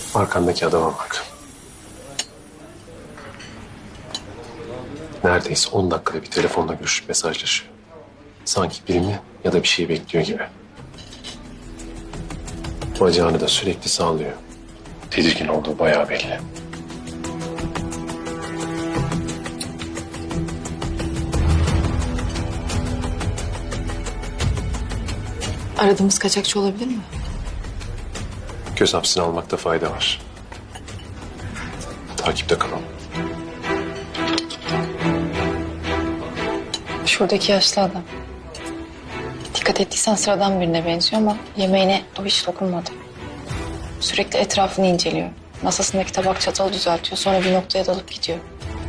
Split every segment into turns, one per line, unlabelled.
Arkandaki adama bak. Neredeyse 10 dakikada bir telefonla görüşüp mesajlaşıyor. Sanki birini ya da bir şeyi bekliyor gibi. Bacağını da sürekli sallıyor. Tedirgin olduğu bayağı belli.
Aradığımız kaçakçı olabilir mi?
Göz hapsini almakta fayda var. Takipte kalalım.
Şuradaki yaşlı adam. Dikkat ettiysen sıradan birine benziyor ama yemeğine o hiç dokunmadı. Sürekli etrafını inceliyor. Masasındaki tabak çatalı düzeltiyor. Sonra bir noktaya dalıp gidiyor.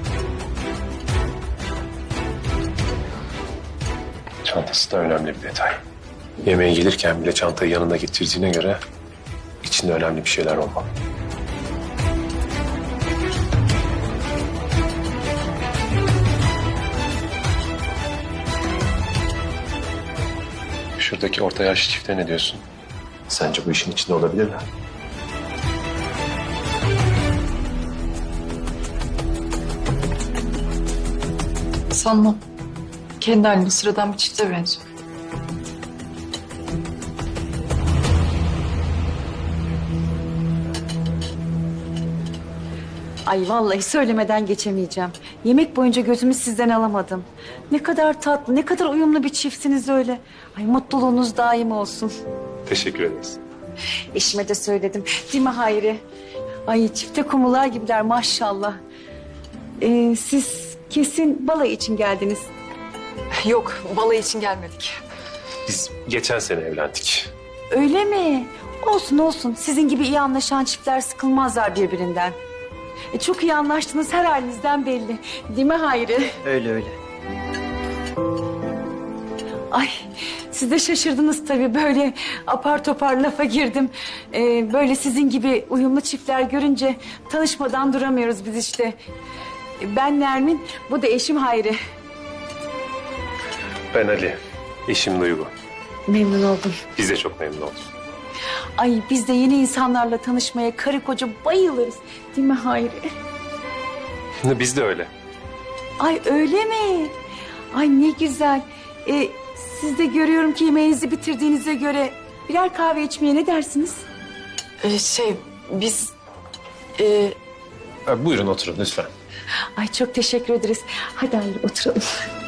Çantası da önemli bir detay. Yemeğe gelirken bile çantayı yanında getirdiğine göre içinde önemli bir şeyler olmalı. Şuradaki orta yaşlı çifte ne diyorsun? Sence bu işin içinde olabilirler?
Sanmam. Kendi halinde sıradan bir çifte benziyor.
Ay vallahi söylemeden geçemeyeceğim. Yemek boyunca gözümü sizden alamadım. Ne kadar tatlı, ne kadar uyumlu bir çiftsiniz öyle. Ay mutluluğunuz daim olsun.
Teşekkür ederiz.
Eşime de söyledim. Değil mi Hayri? Ay çifte kumular gibiler maşallah. Siz kesin balayı için geldiniz.
Yok, balayı için gelmedik.
Biz geçen sene evlendik.
Öyle mi? Olsun olsun. Sizin gibi iyi anlaşan çiftler sıkılmazlar birbirinden. Çok iyi anlaştınız her halinizden belli. Değil mi Hayri?
Öyle öyle.
Ay siz de şaşırdınız tabii böyle apar topar lafa girdim. Böyle sizin gibi uyumlu çiftler görünce tanışmadan duramıyoruz biz işte. Ben Nermin, bu da eşim Hayri.
Ben Ali, eşim Duygu.
Memnun oldum.
Biz de çok memnun olduk.
Ay biz de yeni insanlarla tanışmaya karı koca bayılırız. Değil mi Hayri?
Biz de öyle.
Ay öyle mi? Ay ne güzel. Siz de görüyorum ki yemeğinizi bitirdiğinize göre birer kahve içmeye ne dersiniz?
Biz...
Buyurun oturun lütfen.
Ay çok teşekkür ederiz. Hadi Hayri oturalım.